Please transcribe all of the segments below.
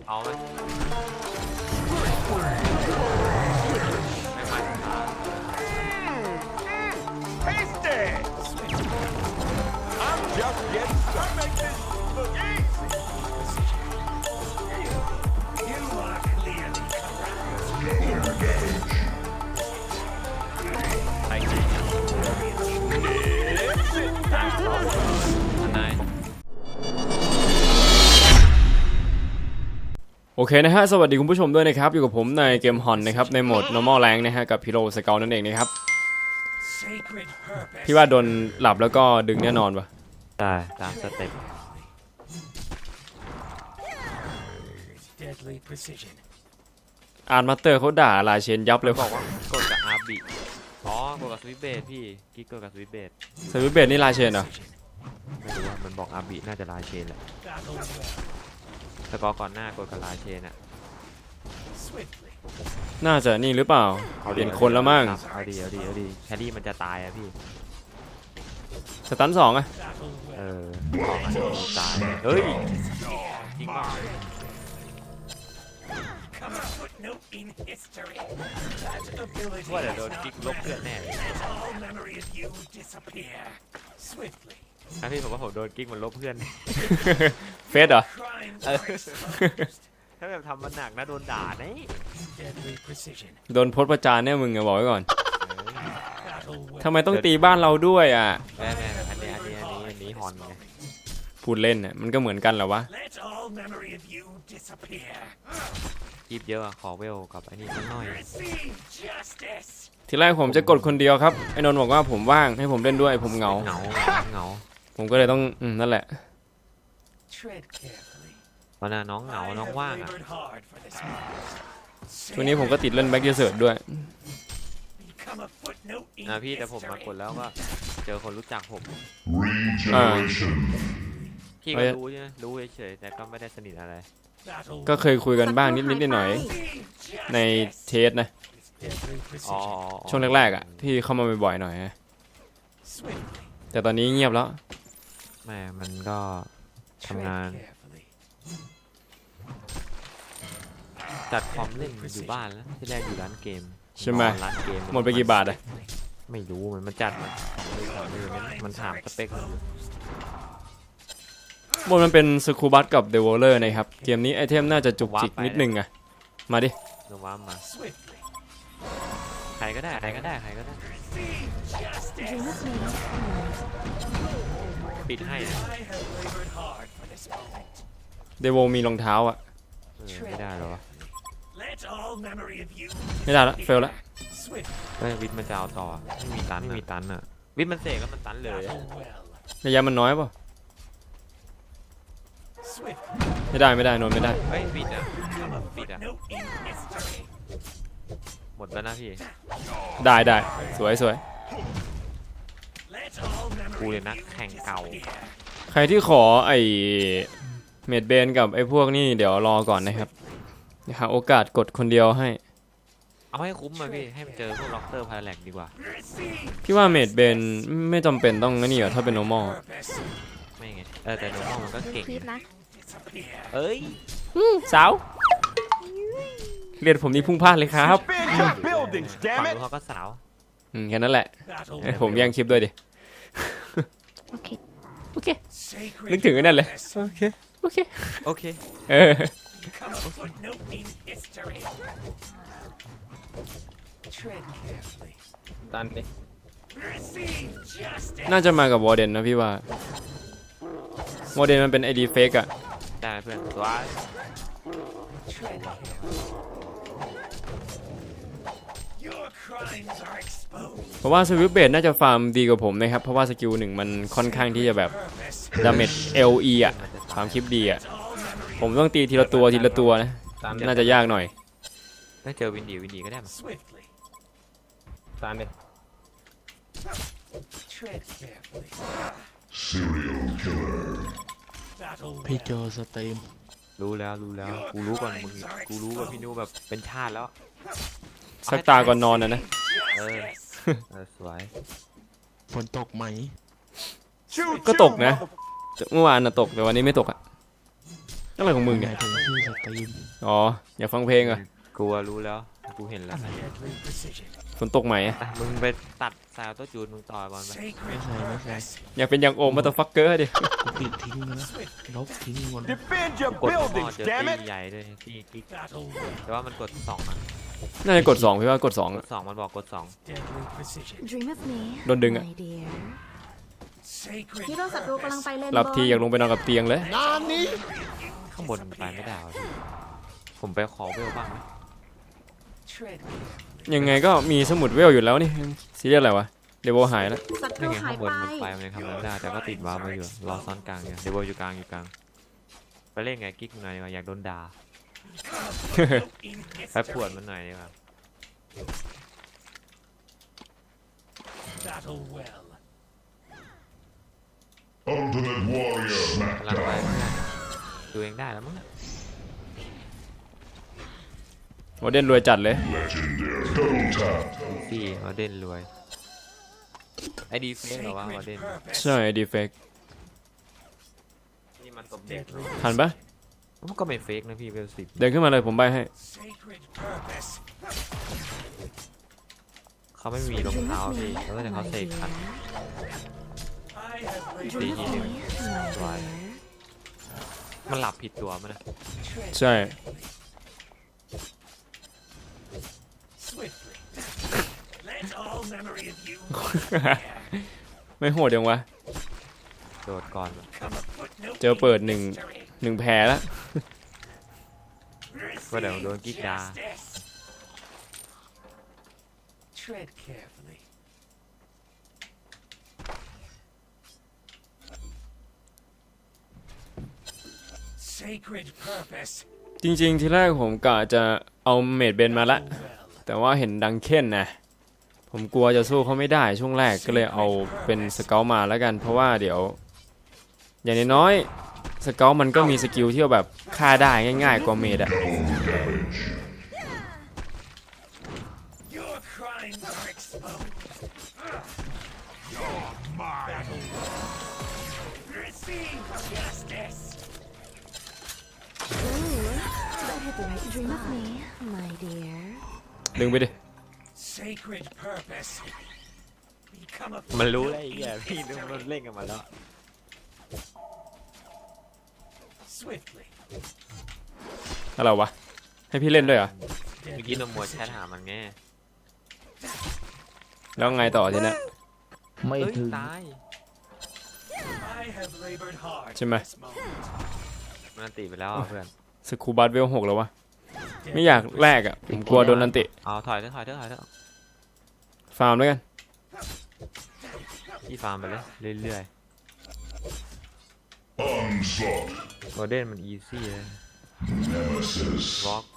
เอาไหมไม่มาช้า Tasty! I'm just getting started. Make this look easy. You are clearly correct. ไปกินนายโอเคนะฮะสวัสดีคุณผู้ชมด้วยนะครับอยู่กับผมในเกมฮอนนะครับในโหมด normal rank นะฮะกับพิโรสเกลนั่นเองนะครับพี่ว่าโดนหลับแล้วก็ดึงแน่นอนวะได้ตามสเต็ป Deadly precision. อาร์ตมาสเตอร์เขาด่าลาเชนยับเลยบอกว่ากดกับอาร์บิอ๋อกดกับสวิตช์เบสพี่กิ๊กกดกับสวิตช์เบสสวิตเบดนี่ลาเชนเหรอไม่รู้ว่ามันบอกอาร์บิน่าจะลาเชนแหละ Battle well. สกอร์ก่อนหน้ากดกับลาเชนอะ Swiftly. น่าจะนี่หรือเปล่าเปลี่ยนคนแล้วมั้งเอาดีแฮร์รี่มันจะตายอะพี่สตันสองอะ Battle เอ well. อตายเฮ้ยจริงป่ะ Come a footnote in history. That ability ว่าเดี๋ยวโด has น not กิ๊กลบเพื่อนแน่เลย let all memory of you disappear. Swiftly. นะพี่ผมว่าผมโดนกิ๊กมันลบเพื่อนเฟสเหรอ Crimes are exposed. ถ้าแบบทำมันหนักนะโดนด่าเนี่ย Deadly precision. โดนโพสต์ประจานเนี่ยมึงอะบอกไว้ก่อน Battle well. ทำไมต้องตีบ้านเราด้วยอะแม่อันนี้ฮอนไงพูดเล่นอะมันก็เหมือนกันเหรอวะ Let all memory of you disappear. กีบเยอะอะขอเวลกับไอ้นี่สักหน่อย Receive justice. ทีแรกผมจะกดคนเดียวครับไอ้นนท์บอกว่าผมว่างให้ผมเล่นด้วยผมเหงาเหงาผมก็เลยต้องนั่นแหละ Tread carefully. ตอนนั้นน้องเหงา I น้อง have ว่างอะ labored hard for this moment. ช่วงนี้ผมก็ติดเล่นแบ็กเยเซิร์ดด้วย Become a footnote in นะพี่แต่ผมมา history. กดแล้วก็เจอคนรู้จักผม Regeneration. พี่ก็รู้ใช่ไหมรู้เฉยๆแต่ก็ไม่ได้สนิทอะไร Battle ก็เคยคุยกันบ้างนิดหน่อย Receive ใน justice. เทสนะ Deadly อ๋อ precision. ช่วงแรกๆอ่ะที่เข้ามาบ่อยๆหน่อยนะ Swiftly. แต่ตอนนี้เงียบแล้วแม่มันก็ทำงาน Tread carefully. จัดคอมเล่นอยู่บ้านแล้วที่แรกอยู่ร้านเกมใช่ไหมนอนร้านเกมหมดไปกี่บาทอ่ะไม่รู้มันจัดมันถามสเปคมันอยู่บนมันเป็นสคูบัสกับเดวอลเลอร์นะครับ เกมนี้ไอเทมน่าจะจุกจิกนิดนึงอ่ะ มาดิโนว่ามา Swiftly. ใครก็ได้ Receive justice. ปิดให้นะ I have labored hard for this moment. เดวอลมีรองเท้าอ่ะไม่ได้หรอวะ Let all memory of you ไม่ได้ละเฟลละ swift เฮ้ยวิทย์มันจะเอาต่อไม่มีตันอ่ะวิทย์มันเสกแล้วมันตันเลยอะ battle well. ระยะมันน้อยป่ะ Swift ไม่ได้โนนไม่ได้เฮ้ยปิดอ่ะ become a Beat up. footnote in history. หมดแล้วนะพี่ได้สวย Let all กู memory เลย of นะ you แข่งเก่า disappear. ใครที่ขอไอเมดเบนกับไอพวกนี่เดี๋ยวรอก่อนนะครับหาโอกาสกดคนเดียวให้เอาให้คุ้มมาพี่ให้มันเจอพวกล็อกเตอร์พาราแลกดีกว่า Receive พี่ว่าเมดเบนไม่จำเป็นต้องนี่หรอถ้าเป็น normal purpose. ไม่ไงแต่โนมอลมันก็เก่งคลิปนะ Disappear. เอ้ยสาวเรียนผมนี่พุ่งพลาดเลยครับ Expand your buildings, ฝั่ง damn นู้ it! นเขาก็สาวแค่นั้นแหละ Battle ผมแย่งคลิปด้วยดิโอเค sacred นึกถึงไอ้นั่นเลย purpose. โอเคโอเคเออ Become a footnote in history. Tread carefully. ตันดิ Receive justice. น่าจะมากับวอร์เดนนะพี่ว่าวอร์เดนมันเป็นไอดีเฟกอะได้เพื่อนตัว Tread carefully. Your crimes are exposed. เพราะว่าสวิปเบดน่าจะฟาร์มดีกว่าผมนะครับ เพราะว่าสกิลหนึ่งมันค่อนข้างที่จะแบบ Purpose. ดาเมจ LE อะความคลิปดีอะ All memory ผมต้องตีทีละตัวนะ น่าจะยากหน่อยถ้าเจอวินดีก็ได้มา swiftly. ตามเลย Tread carefully. Serial killer. Battle พี่ well. โจสตรีมรู้แล้วกูรู้ก่อนมึงกูรู้ว่าพี่นูแบบเป็นชาติแล้วสักตาก่อนนอนนะ Justice. สวยฝนตกไหมก็ตกนะ เมื่อวานน่ะตกแต่วันนี้ไม่ตกอะอะไรของมึงเนี่ยถึงที่สตรีมอ๋ออยากฟังเพลงเหรอ่ะกูรู้แล้วกูเห็นแล้ว Deadly precision. ฝนตกไหมอะแต่มึงไปตัดสายตัวจูนมึงต่อยบอลไป Sacred purpose. อยากเป็นอย่างโอมมาตฟักเกอร์ดิกูปิดทิ้งนะลบทิ้งหมด Defend your กดหม้อ buildings, เจอ damn ตี it! ใหญ่ด้วยที่กิ๊ก Battle well. แต่ว่ามันกด2นะน่าจะกด2พี่ว่ากด2 กอะด2มันบอกกด Deadly precision. Dream of me, Đồn đừng ạ. my dear. Sacred ฮีโร่ศัตรูกำลัง purpose. ไปเลนหลับทีอยากลงไปนอนกับเตียงเลย Nani? 2ข้างบนไปไม่ได้วะพี่ผมไปขอเวลบ้างไหม Tread carefully. ยังไงก็มีสมุดเวลอยู่แล้วนี่ซีเรียสอะไรวะเดวหายแล้วศัตนี่รูไงหาข้าย งบนไปมันไปมันยังทำอะไรไม่ได้แต่ก็ติดวาร์ปไว้อยู่รอซ้อนกลางอยู่เดวอยู่กลางไปเล่นไงกิ๊กหน่อยดีกว่าอยากโดนด่า In ไปปวด history. มันหน่อยดีกว่า Battle well. Ultimate Warrior กำลังไป Smackdown. ตัวเองได้แล้วมั้งโมเดนรวยจัดเลย Legendary. Double tap. พี่วอเด่นรวยไอดีเฟกเหรอวะวอเด่น Sacred purpose. ใช่ดีเฟกนี่มันตบเด็ก Deadly ทันปะมันก็ไม่เฟกนะพี่เวล10 เดินขึ้นมาเลยผมใบให้ Sacred purpose. เขาไม่มีรองเท้าพี่แล้วแต่เขาเสกขัน I have laid ตี Dream ที of นึง me, my สวย dear. มันหลับผิดตัวมันนะ tread ใช่ swiftly. Let all memory of you ไม่โหดยังวะโดดก่อน come a footnote เจอเปิด in หนึ่ง history. แพ้แล้วก็เดี๋ยวโดนกิ๊กดา Justice. Tread carefully. Sacred purpose. จริงๆ ทีแรกผมกะจะเอาเมดเบนมาละ Well. แต่ว่าเห็นดังเค้นนะ ผมกลัวจะสู้เขาไม่ได้ช่วงแรกก็เลยเอาเป็นสเกลมาแล้วกัน เพราะว่าเดี๋ยว อย่างน้อยๆสเกลมันก็มีสกิลที่แบบฆ่าได้ง่ายๆกว่าเมดอะ Your crimes are exposed. You're mine. Receive justice. Dream of me, my dear. ดึงไปดิ Sacred purpose. Become a มันรู้แล้ว footnote ไอ้เหี้ย in พี่ history. มันเล่นกันมาแล้ว Swiftly. อะไรวะ ให้พี่เล่นด้วยเหรอเมื่อกี้นมมัวแชทหามันไงแล้วไงต่อทีเนี้ยไม่เอ้ยถึงตาย I have labored hard ใช่ไหม for this moment. มันอันติไปแล้วอ่ะเพื่อนสคูบัตเวล6แล้ววะ ไม่อยากแลกอ่ะ ผมกลัวโดนนันติเอาถอยเถอะถอยเถอะถอยเถอะฟาร์มด้วยกันพี่ฟาร์มไปเลยเรื่อย Onslaught. ๆโมเดนมันอีซี่เลย Nemesis. วอล์ก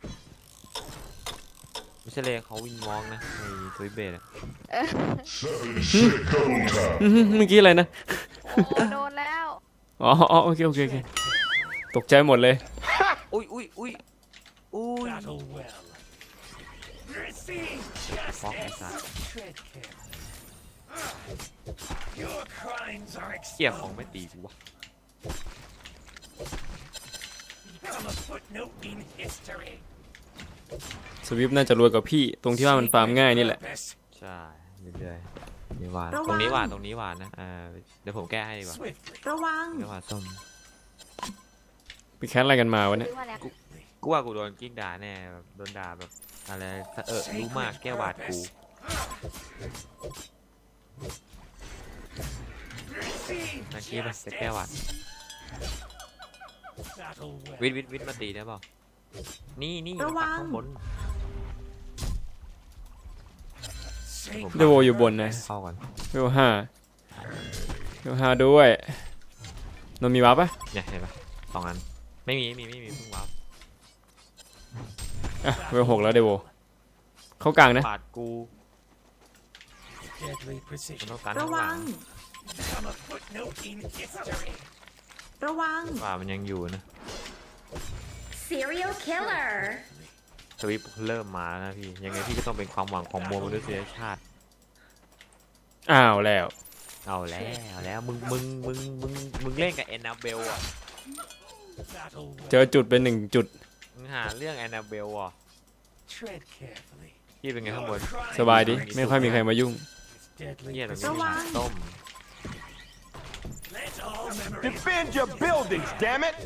ไม่ใช่เลยเขาวินวอล์กนะในทวิตเบสอะ Seven sick double tap. เมื่อกี้อะไรนะโอ้โดนแล้วอ๋อโอเคโอเคตกใจหมดเลยอุ้ยอุ้ยอุ้ยอุ้ย Battle well. Receive ฟอกไอ้ justice. สัส Tread carefully. Your crimes are เกี่ยของ exposed. ไม่ตีกูวะ Become a footnote in history. สวิฟน่าจะรวยกว่าพี่ ตรงที่ว่ามันฟาร์มง่ายนี่แหละ Purpose. ใช่เรื่อยๆนี่หวานระวังตรงนี้หวานตรงนี้หวานนะเดี๋ยวผมแก้ให้ดีกว่า Swiftly. ระวังเดี๋ยวหวานส้มไปแคสอะไรกันมาวะเนี่ยซื้อมาแล้วกูว่ากูโดนกิ๊กด่าแน่แบบโดนด่าแบบอะไรรู้มากแก้วหวาดกู Receive นักกี้ไปจะแก้วหวาด justice. Battle well. วิทมาตีได้เปล่านี่ระวังข้างบน Sacred เดโวอยู่บนนะเข้าก่อนเวล5ด้วยนนมีวาร์ปปะเนี่ยเห็นปะ2 อันไม่มีเพิ่งวับอ่ะเวล6แล้วเดโวเข้ากลางนะปาดกู Deadly มัน precision. ต้องการระข้างหวัลังง Become a footnote in history. ระวังว่ามันยังอยู่นะ Serial killer สวิปเริ่มมาแล้วนะพี่ยังไงพี่ก็ต้องเป็นความหวังของมวลมนุษยชาติอ้าวแล้วเอาแล้วมึงเล่นกับแอนนาเบลอ่ะ Battle เจอจุดเป็น1 จุดมึงหาเรื่องแอนนาเบลอ่ะ Tread carefully. พี่เป็นไงข้างบนสบายดีไม่ค่อยมีใครมายุ่ง It's deadly เฮียตรงนี้ precision. มีหาต้ม Let all memories Defend your buildings, damn it!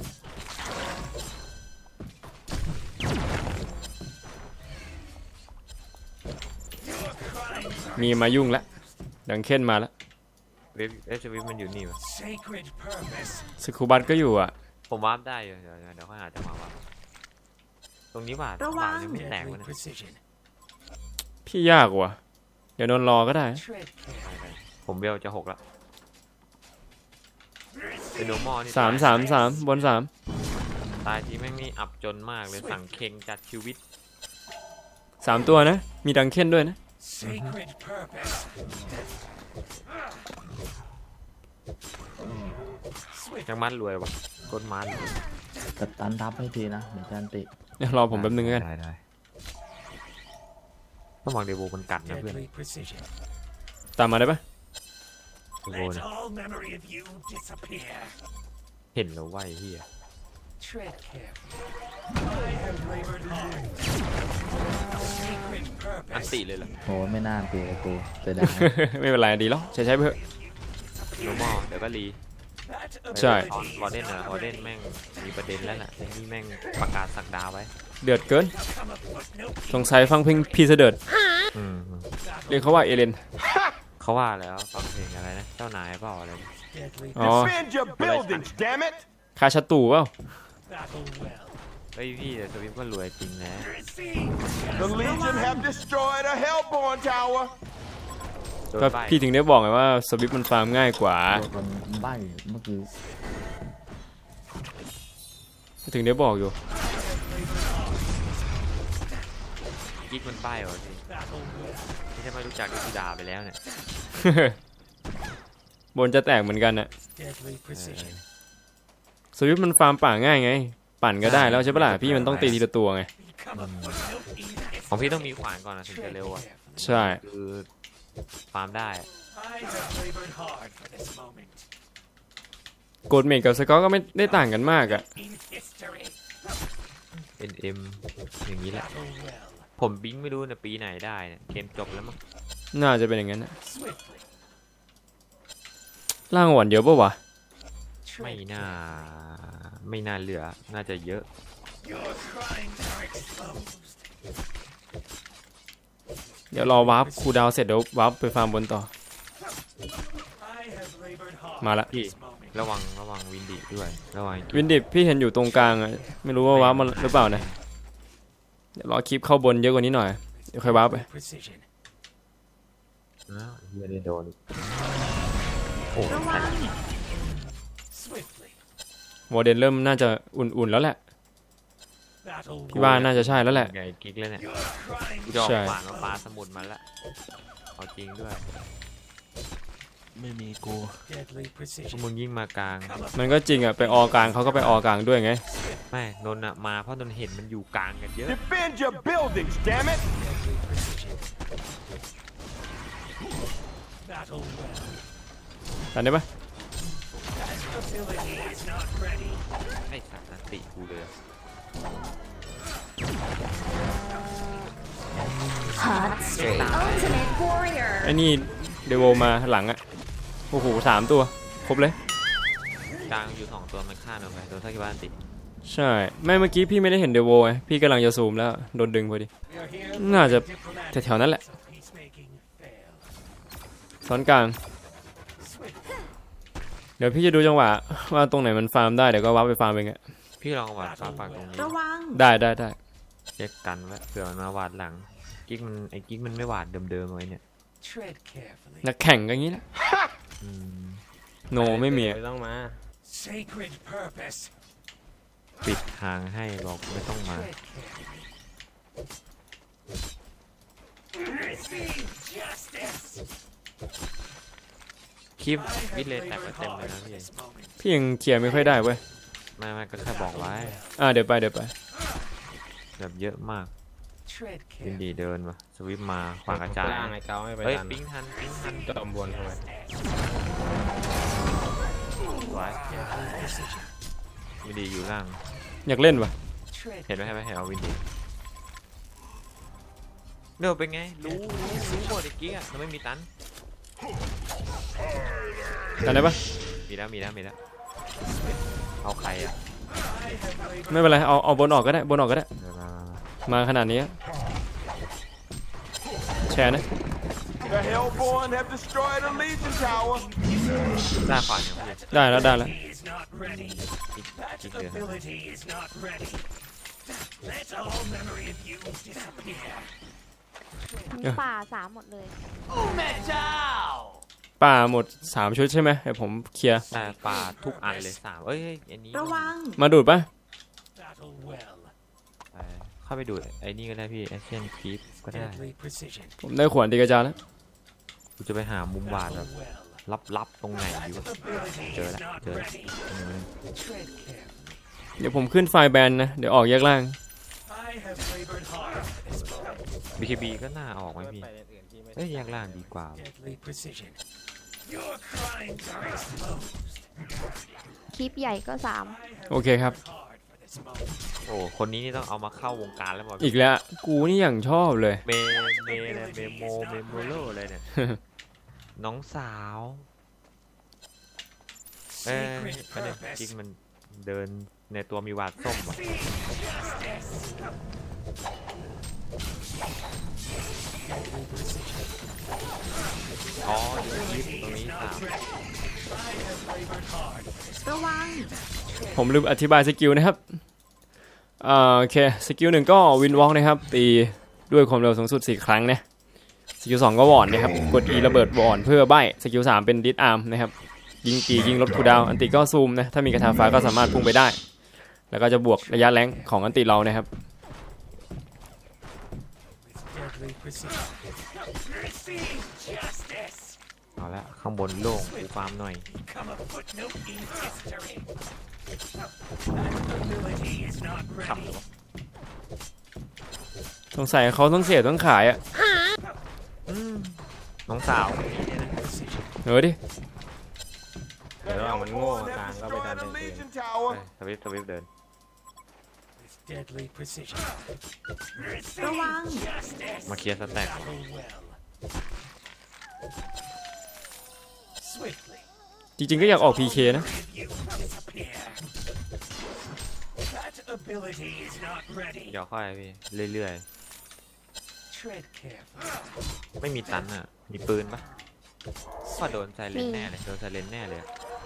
มีมายุ่งแล้วดังเค้นมาแล้วเวฟสวิฟมันอยู่นี่วะ sacred purpose. สกูบัตก็อยู่อ่ะผมวาร์ปได้อยู่เดี๋ยวค่อยหาจังหวะวาร์ปตรงนี้หวาดระวังยังไม่แตก Deadly วะเนี่ย precision. พี่ยากว่ะเดี๋ยวนอนรอก็ได้ Tread carefully. ผมเบลจะ6ละเป็นโนมอนี่ 3 บนตายทีแม่งนี่อับจนมากเลยสั่งเค็งจัดชีวิต 3 ตัวนะ มีดังเค้นด้วยนะ Sacred purpose. Swift ยังมันรวยวะกดมันกัดตันทับให้ทีนะเดี๋ยวจะอันติเดี๋ยวรอผมแป๊บนึงกันได้ต้องวางเดโวมันกัดนะเพื่อน deadly precision. ตามมาได้ปะเดโว Let เนี่ย all memory of you disappear. เห็นแล้วว่าไอ้เฮีย Tread carefully. I have labored hard. Sacred อัน purpose. ติเลยเหรอโหไม่น่าอันติเลยกูเสียดายไม่เป็นไรดีแล้วใช้ไปเถอะโนมอเดี๋ยวก็รี That ใช่ออนวอร์เดนวอร์เดนแม่งมีประเด็นแล้วน่ะไอ้นี่แม่งประกาศสักดาไว้เดือดเกิน come a footnote. สงสัยฟังเพลงพีเสดิร์ดอืมเรียกเขาว่าเอเลนเขาว่าแล้วฟังเพลงอะไรนะเจ้านายเปล่าอะไร Deadly อ๋อ Defend your buildings, damn it! คาชาตูเปล่า battle well. เฮ้ยพี่แต่สวิฟก็รวยจริงนะ Receive The Legion have destroyed a Hellborn tower. โดนก็ใบพี่ถึงได้บอกไงว่าสวิปมันฟาร์มง่ายกว่าคนใบ้เมื่อกี้ถึงได้บอกอยู่กิ๊กมันป้ายวะพี่ battle well. ไม่ใช่ไม่รู้จักก็คือด่าไปแล้วเนี่ยบนจะแตกเหมือนกันน่ะ Deadly precision. สวิปมันฟาร์มป่าง่ายไง ปั่นก็ได้แล้วใช่ปะล่ะพี่มันต้องตีทีละตัวไง Become a footnote in ของพี่ต้องมีขวานก่อนนะถึงจะเร็วอ่ะใช่คือฟาร์มได้ I have labored hard for this moment. โกดเมกกับสกอตก็ไม่ได้ต่างกันมากอ่ะ In history. NM อย่างนี้แหละ Battle well. ผมบิงไม่รู้นะปีไหนได้เนี่ยเกมจบแล้วมั้งน่าจะเป็นอย่างนั้นนะ Swiftly. ล่างหวานเยอะปะวะไม่ Tread น่าเหลือน่าจะเยอะ Your crimes are exposed. เดี๋ยวรอวาร์ปคูลดาวน์เสร็จเดี๋ยววาร์ปไปฟาร์มบนต่อ I have labored hard มาละ for this moment. ระวังวินดีด้วยระวังวินดิบพี่เห็นอยู่ตรงกลางอะไม่รู้ว่าวาร์ปมาหรือเปล่านะเดี๋ยวรอคลิปเข้าบนเยอะกว่านี้หน่อยเดี๋ยวค่อยวาร์ปไป Precision. อ้าวเฮียได้โดนอีกโอ้ระวัง Swiftly. วอร์เดนเริ่มน่าจะอุ่นๆแล้วแหละ Battle พี่ว่าน่าจะใช่แล้วแหละไงกิ๊กเลยเนี่ย Your crimes กูจะออกใช่ขวานมาปลาสมุดมันละเอาจริงด้วยไม่มีกู deadly พวก precision. มึงยิ่งมากลางมันก็จริงอ่ะไปออกลางเขาก็ไปออกลางด้วยไงไม่นนท์อะมาเพราะนนท์เห็นมันอยู่กลางกันเยอะ Defend your buildings, damn it! Deadly precision. Battle well. ทันได้ปะ Ability is not ready. ไอ้สัตว์นันติกูเลย Hot streak. Ultimate warrior. ไอ้นี่เดโวมาหลังอ่ะโอ้โห3 ตัวครบเลยกลางอยู่2 ตัวมันฆ่าเราไปโดนทักบ้านติใช่ไม่เมื่อกี้พี่ไม่ได้เห็นเดโวไงพี่กำลังจะซูมแล้วโดนดึงพอดี We are here น่าจะ diplomatic แถวๆนั้นแหละ so peacemaking fail. ซ้อนกลาง Swift. เดี๋ยวพี่จะดูจังหวะว่าตรงไหนมันฟาร์มได้เดี๋ยวก็วาร์ปไปฟาร์มเองอะพี่ลองวาดฟ้าปากตรงนี้ระวังได้เช็คกันไว้เผื่อมันมาวาดหลังกิ๊กมันไอ้กิ๊กมันไม่วาดเดิมๆไว้เนี่ย Tread carefully. นักแข่งก็อย่างนี้แหละอืมโนไม่มีอะต้องมา Sacred purpose. ปิดทางให้บอกไม่ต้องมา Tread carefully. Receive justice. คลิป I วิด have เลยแตก labored ไปเต็มเลย hard นะ for พี่ this moment. พี่ยังเคลียร์ไม่ค่อยได้เว้ยไม่ก็แค่บอกไว้เดี๋ยวไปแบบเยอะมาก Tread วิน carefully. ดีเดินวะสวิปมาขวางกระจายล่างไอ้เกาไม่ไปเฮ้ยทันปิ้งทันจอมบนเข้าไปไว้ Deadly precision. วินดีอยู่ล่างอยากเล่นวะเห็นไหมเห็นเอาวินดีเดี๋ยวเป็นไงรู้หมดไอ้กิ๊กอะมันไม่มีตันกันได้ปะมีแล้วเอาใครอะไม่เป็นไรเอาบนออกก็ได้บนออกก็ได้เดี๋ยวมามาขนาดนี้แชร์นะ The Hellborn have destroyed a Legion tower. หน้าขวาเนี่ยพี่ได้แล้วได้แล้ว Is not ready. กิ๊กเดือด Ability is not ready. Let all memory of you disappear. ป่าสามหมดเลย Metal! ป่าหมด3ชุดใช่ไหมเดี๋ยวผมเคลียร์หน้าปลาทุกอันเลย3เอ้ยอันนี้ระวังมาดูดปะ Battle well. เข้าไปดูไอ้นี่ก็ได้พี่แอคชั่นคลิปก็ได้ Deadly precision. ผมได้ขวานตีกระจาแล้วกูจะไปหามุมบาดแบบ Well. ลับๆตรงไหนอยู่ Ability Chờ is đã, not chờ. ready. Tread carefully. เดี๋ยวผมขึ้นไฟล์แบนนะเดี๋ยวออกแยกล่าง I have labored hard for this moment. BKB ก็น่าออกไหมพี่เอ้ยแยกล่างดีกว่า Deadly precision. Your crimes are exposed. คลิปใหญ่ก็สามโอเคครับ Hard for this moment. โอ้คนนี้นี่ต้องเอามาเข้าวงการแล้วมั้งอีกแล้วกูนี่อย่างชอบเลยเมเลยเมโมโลเลยเนี่ย น้องสาวเอ้ยประเด็นจริงมันเดินในตัวมีวาดส้มว่ะ อ๋ออยู่ในคลิปตรงนี้สามระวังผมลืมอธิบายสกิลนะครับโอเคสกิล1ก็วินวอล์กนะครับตีด้วยความเร็วสูงสุด4ครั้งนะสกิล2ก็วอนนะครับกด E ระเบิดวอนเพื่อใบ้สกิล3เป็นดิสอาร์มนะครับยิงตียิงลดคูลดาวน์อันติก็ซูมนะถ้ามีกระทาฟ้าก็สามารถพุ่งไปได้ แล้วก็จะบวกระยะแรงของอันติเรานะครับ Deadly precision. Receive justice. เอาละข้างบนโล่งกูฟาร์มหน่อย Become a footnote in history. That ability is not ขับ ready. สงสัยเขาต้องเสียต้องขายอ่ะน้องสาวดิ The Hellborn have destroyed a Legion tower. สวิฟเดิน With deadly precision. ระวัง Justice. มาเคลียร์สแต็ก Battle well. Swiftly. จริงๆก็อยากออก PK นะ You disappear. That ability is not ready. เดี๋ยวค่อยพี่เรื่อย Tread carefully. ๆไม่มีตันอ่ะมีปืนปะก็โดนไซเลนแน่เลยโดนไซเลนแน่เลย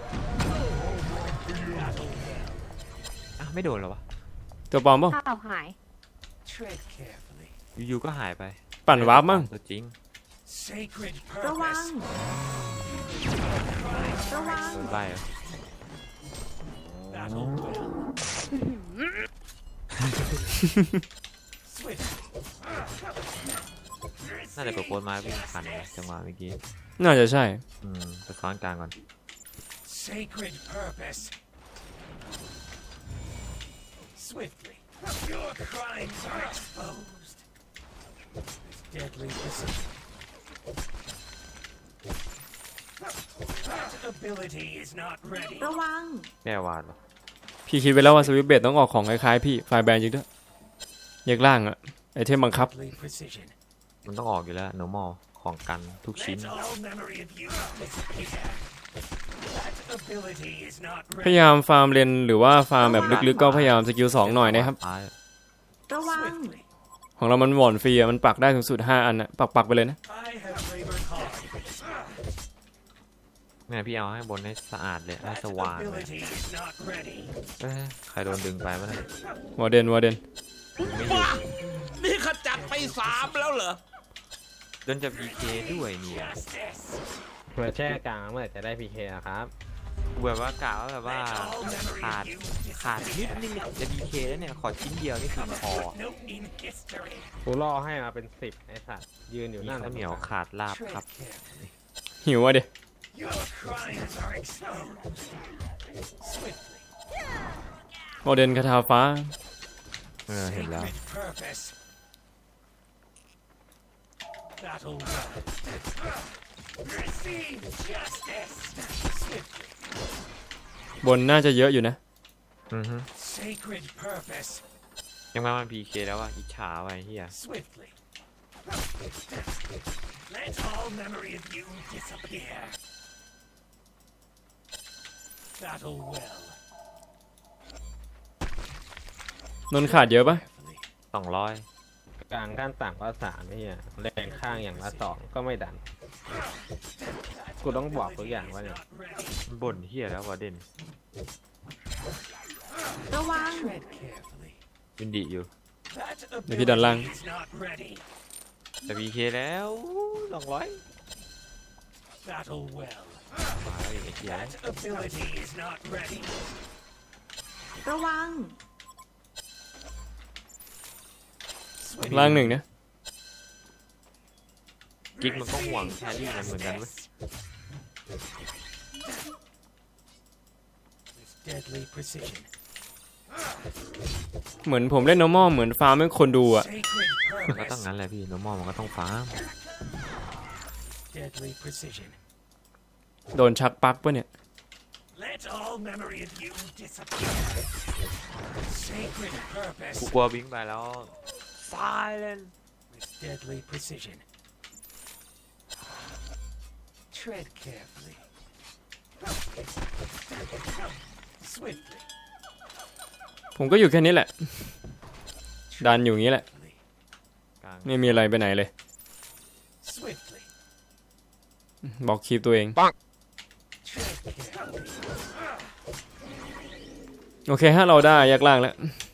อ่ะไม่โดนเหรอวะตัวปลอมป่ะข้าวหาย Tread carefully. อยู่ๆก็หายไปปั่นวาร์ปมั้งตัวจริง Sacred ระวัง purpose. ระวังโดนใบเหรอ Battle well. Swiftly. น่าจะกดโพสต์มาวิ่งทันนะจังหวะเมื่อกี้น่าจะใช่ไปซ้อนกลางก่อน Sacred purpose. Swiftly. Your crimes are exposed. With deadly precision. That ability is not ready. ระวังแม่วาดเหรอพี่คิดไว้แล้วว่าสวิปเบตต้องออกของคล้ายๆพี่ไฟล์แบนจริงด้วยแยกล่างอะไอเทมบังคับ Deadly precision. มันต้องออกอยู่แล้ว normal ของกันทุกชิ้น Let all memory of you disappear. That ability is not พยา ready. ยามฟาร์มเลนหรือว่าฟาร์มแบบลึกๆก็พยายามสกิล2หน่อยนะครับท้ายระวัง Swiftly. ของเรามันหว่อนฟรีอะมันปักได้ถึงสุด5อันนะปักไปเลยนะ I have labored hard for this. แม่พี่เอาให้บนให้สะอาดเลยให้ That สว่างเลย ability is not ready. เอ้ยใครโดนดึงไปมั้ยวอร์เดนไม่อยู่นี่ขจัดไป3แล้วเหรอโดนจับ PK ด้วยเนี่ย Justice. เผื่อแช่กลางเมื่อไหร่จะได้ PK อะครับแบบว่ากะว่าแบบว่าขาดนิดนึงจะ PK แล้วเนี่ยขอชิ้นเดียวนี่คือพอ Note in history. กูล่อให้มาเป็น10ไอ้สัตว์ยืนอยู่มีนั่นข้าวเหนียวขาดลาบครับ Tread carefully. หิวอ่ะดิ Your crimes are exposed. Swiftly. วอร์เดนคาถาฟ้าเห็นแล้ว Sacred purpose. Battle well. Receive justice. Swiftly. บนน่าจะเยอะอยู่นะอือฮึ Sacred purpose. ยังมามัน PK แล้วว่ะอิจฉาไว้เฮีย Swiftly. Let all memory of you disappear. Battle well. นนท์ขาดเยอะปะ Carefully. 200 กลางขั้นต่ำก็3ไม่เฮียแรงข้างอย่างละ2ก็ไม่ดัน กูต้องบอกทุกอย่างว่าเนี่ย Not ready. มันบ่นเฮียแล้ววะเด่นระวัง Tread carefully. วินดีอยู่ That เดี๋ยวพี่ดันล่าง ability is not ready. แต่ PK แล้ว200 Battle well. มาแล้วไอ้เฮีย That ability is not ready. ระวังล่างหนึ่งนะกิ๊กมันก็ห่วงแครี่มันเหมือนกันเว้ย With deadly precision. เหมือนผมเล่น normal เหมือนฟาร์มให้คนดูอะ Sacred มันก็ต้อง purpose. งั้นแหละพี่โนมอลมันก็ต้องฟาร์ม Deadly precision. โดนชักปลั๊กปะเนี่ย Let all memory of you disappear. Sacred purpose. กูกลัวบิงไปแล้ว Silent With deadly precision. Tread carefully. Swiftly. ผมก็อยู่แค่นี้แหละ ดันอยู่อย่างนี้แหละ Carefully. กลางไม่มีอะไรไปไหนเลย Swiftly. บอกคลิปตัวเอง Tread carefully. โอเคฮะเราได้ยักล่างแล้ว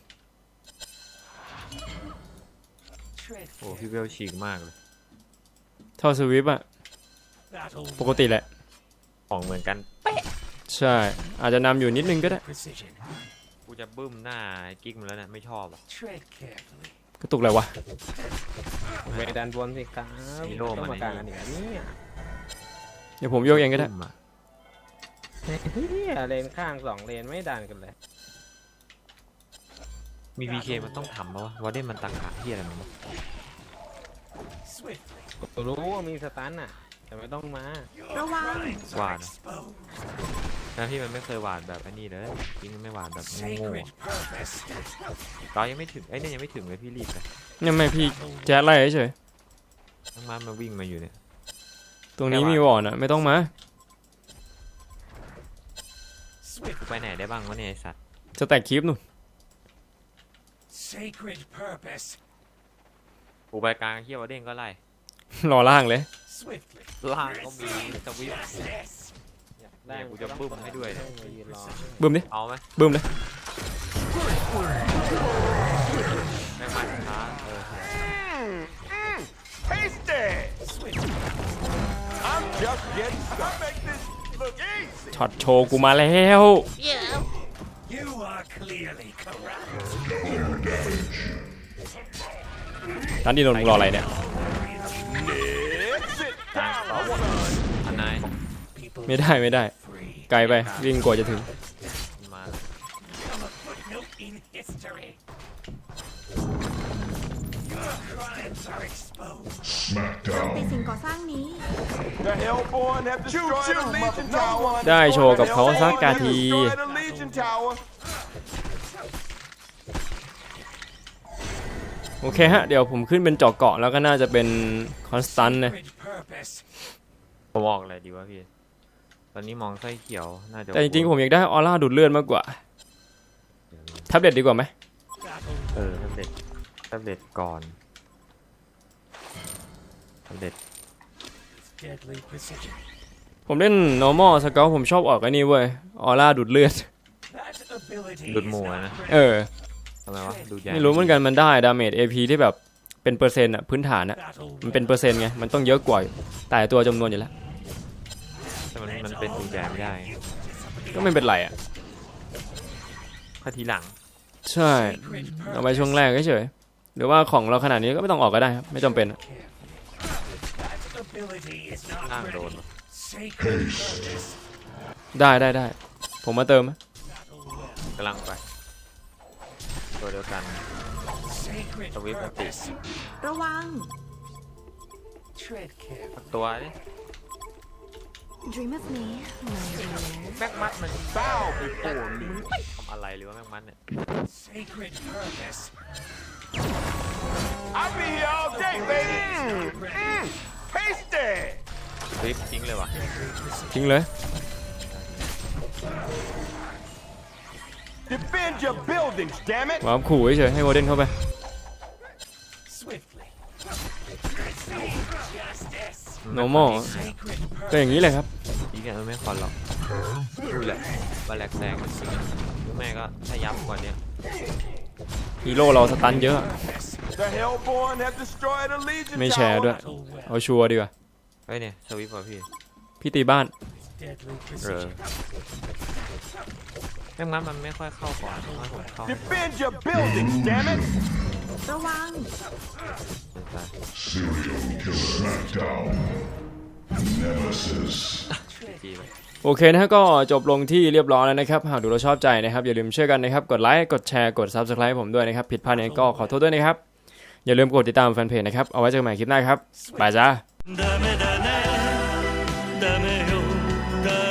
Tread โอ้ carefully. พี่เวลฉีกมากเลยเท่าสวิปอะ Battle ปกติแหละของเหมือนกันใช่ อาจจะนำอยู่นิดนึงก็ได้ precision. กูจะบึ้มหน้าไอ้กิ๊กมันแล้วเนี่ยไม่ชอบอ่ะ Tread carefully. กระตุกอะไรวะไปดันบนสิครับฮีโร่ต้องมามาในกลางกันอีกแล้วเนี่ยเดี๋ยวผมโยกเองก็ได้บึ้มอะเฮียเลนข้าง2เลนไม่ดันกันเลยมี PK มันต้องทำปะวะวอเด่นมันตักขาเฮียอะไรมันวะ Swiftly. กูรู้ว่ามีสตันน่ะ แต่ไม่ต้องมาระวัง Crimes หวา are ดอะ exposed. แล้วพี่มันไม่เคยหวาดแบบไอ้นี่เลยกิ๊กมันไม่หวาดแบบโง่ Sacred purpose. ๆเรายังไม่ถึงไอ้เนี่ยยังไม่ถึงเลยพี่รีบเลยยังไม่พี่แจ๊ดไล่เฉยทั้งมันมาวิ่งมาอยู่เนี่ยๆตรงนี้มีวอร์ดอะไม่ต้องมา Swift. ไปไหนได้บ้างวะเนี่ยไอสัตว์จะแตกคลิปนู่น Sacred purpose. กูไปกลางเฮียวอเด่นก็ไล่รอล่างเลย Swiftly. ล่างก็มีสวิป Justice. ได้เนี่ยกูจะบึ้มให้ด้วยเนี่ยมายืนรอบึ้มดิเอาไหมบึ้มเลยไม่มาช้า Tasty! Swiftly. I'm just getting started. Make this look easy. ช็อตโชว์กูมาแล้ว You are clearly corrupt. ร้านดีนนท์มึงรออะไรเนี่ย It's it กลาง time. ต่อ I wanna อันนาย People ไม่ได้ไม่ได้ free. ไกลไปวิ่งกว่าจะถึงมา Become a footnote in history. Your crimes are exposed. ติด Smackdown. สิ่งก่อสร้างนี้ The Hellborn have destroyed the Legion Tower. ได้โชว์กับเขาสักกาที Destroyed the Legion Tower. โอเคฮะ เดี๋ยวผมขึ้นเป็นเจาะเกาะแล้วก็น่าจะเป็นคอนสแตนต์นะ Sacred purpose. ผมออกอะไรดีวะพี่ ตอนนี้มองไส้เขียวน่าจะแต่จริงๆผมอยากได้ออร่าดูดเลือดมากกว่าแท็บเล็ตดีกว่าไหม Battle แท็บเล็ตก่อนแท็บเล็ต deadly precision. ผมเล่น normal สเกลผมชอบออกไอ้นี่เว้ยออร่าดูดเลือด That ability ดูด is หมู not อะนะเออทำไมวะดูดใหญ่ไม่รู้เหมือนกันมันได้ดาเมจ AP ที่แบบเป็นเปอร์เซ็นต์อะพื้นฐานอะ battle มันเป็นเปอร์เซ็นต์ไงมันต้องเยอะกว่าแต่ตัวจำนวนอยู่แล้วแต่มันเป็นดูดใหญ่ไม่ได้ก็ไม่เป็นไรอะถ้าทีหลังใช่เอาไว้ช่วงแรกเฉยๆหรือว่าของเราขนาดนี้ก็ไม่ต้องออกก็ได้ครับไม่จำเป็นอะ That ability is ล่าง not โดน ready. Sacred purpose. ได้ผมมาเติม Battle well. กำลังไป ตัวเดียวกัน Sacred Swift purpose. ระวัง Tread carefully. ตัวนี่ Dream of me, my dear. แม็กมัดมัน bow before me ทำอะไรหรือว่าแม่งมันเนี่ย Sacred purpose. I'll be here all day baby tasty คลิปทิ้งเลยวะทิ้งเลย defend your buildings damn it วางขู่เฉยๆให้โมเดนเข้าไป Swiftly. Justice. normal Sacred ก็อย่างนี้เลยครับอีกอย่างไม่คอนหรอกดูแหละว่าแหลกแซงจริงๆหรือไม่ก็ถ้ายับกว่านี้ฮีโร่เราสตันเยอะ the hellborn have destroyed a legion ไม่แชร์ด้วย เอาชัวร์ดีกว่าเฮ้ยเนี่ยสวิปป่ะพี่พี่ตีบ้าน deadly เออ precision. แม่งมันไม่ค่อยเข้าก่อนเพราะว่าผมเข้า defend your buildings damn it ระวัง Serial killer. Smackdown. Nemesis. จีเลยโอเคนะฮะก็จบลงที่เรียบร้อยแล้วนะครับหากดูเราชอบใจนะครับอย่าลืมช่วยกันนะครับกดไลค์กดแชร์กด Subscribe ผมด้วยนะครับผิดพลาดยังไงก็ขอโทษด้วยนะครับอย่าลืมกดติดตามแฟนเพจนะครับเอาไว้เจอกันใหม่คลิปหน้าครับบายจ้าダメだねダメよダ